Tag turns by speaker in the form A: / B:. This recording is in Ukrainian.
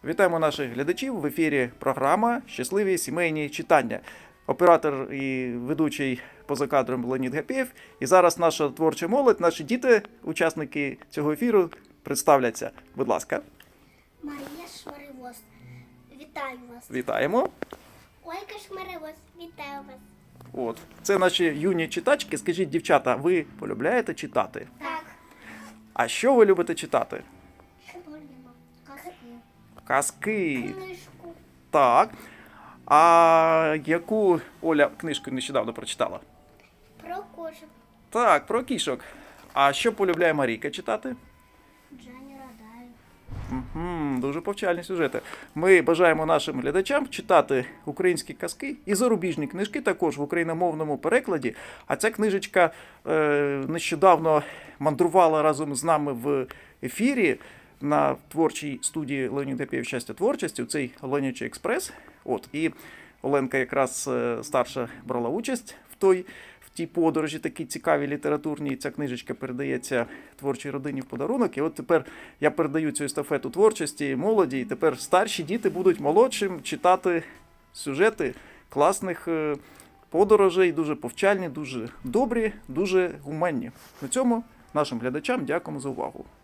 A: Вітаємо наших глядачів в ефірі програма «Щасливі сімейні читання». Оператор і ведучий поза кадром Леонід Гапєєв. І зараз наша творча молодь, наші діти, учасники цього ефіру, представляться. Будь ласка.
B: Марія Шмаривоз. Вітаю вас.
A: Вітаємо.
B: Ольга Шмаривоз. Вітаю вас.
A: От. Це наші юні читачки. Скажіть, дівчата, ви полюбляєте читати?
B: Так.
A: А що ви любите читати? Казки.
B: Книжку.
A: Так. А яку Оля книжку нещодавно прочитала?
B: Про кошик.
A: Так, про кішок. А що полюбляє Марійка читати?
B: Джані Радаєв.
A: Дуже повчальні сюжети. Ми бажаємо нашим глядачам читати українські казки і зарубіжні книжки також в україномовному перекладі. А ця книжечка нещодавно мандрувала разом з нами в ефірі на творчій студії Леонід Гапєєв «Щастя творчості», цей Ленячий експрес. От, і Оленка якраз старша брала участь в тій подорожі, такій цікавій літературній. Ця книжечка передається творчій родині в подарунок. І от тепер я передаю цю естафету творчості молоді, і тепер старші діти будуть молодшим читати сюжети класних подорожей, дуже повчальні, дуже добрі, дуже гуманні. На цьому нашим глядачам дякуємо за увагу.